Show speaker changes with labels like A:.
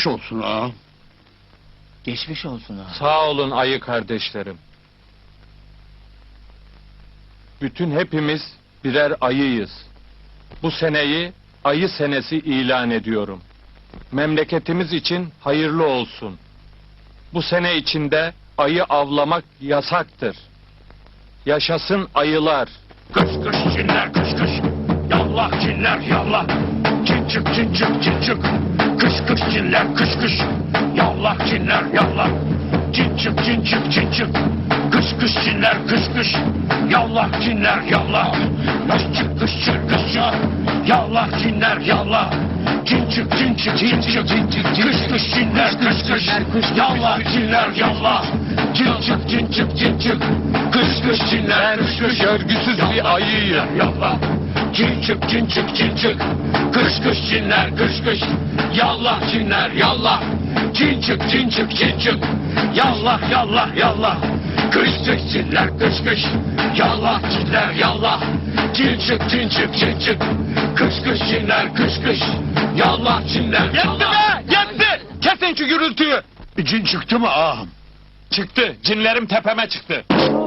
A: Geçmiş olsun ağam.
B: Geçmiş olsun ha.
C: Sağ olun ayı kardeşlerim. Bütün hepimiz birer ayıyız. Bu seneyi ayı senesi ilan ediyorum. Memleketimiz için hayırlı olsun. Bu sene içinde ayı avlamak yasaktır. Yaşasın ayılar.
A: Kış kış cinler kış kış. Yallah cinler yallah. Cin çık cin çık cin çık. Kış kış cinler kış kış. Yallah cinler yallah. Cin çık cin çık cin çık. Kış kış cinler kış kış. Yallah cinler yallah. Kış çık kış çık kış çık. Yallah cinler yallah. Cin çık cin çık cin çık. Kış kış cinler kış kış. Yallah cinler yallah. Cin çık cin çık cin çık. Kış kış cinler kış kış.
C: Görgüsüz bir ayıyım.
A: Yallah. Cin çık cin çık cin çık. Kış kış cinler kış kış. Yallah cinler yallah. Cin çık cin çık cin çık. Yallah yallah yallah. Kış kış cinler kış kış. Yallah cinler yallah. Cin çık cin çık cin çık. Kış kış cinler kış kış. Yallah cinler
C: Yetti
A: yallah.
C: be! Yetti! Kesin şu gürültüyü!
A: Cin çıktı mı ağam?
C: Çıktı. Cinlerim tepeme çıktı.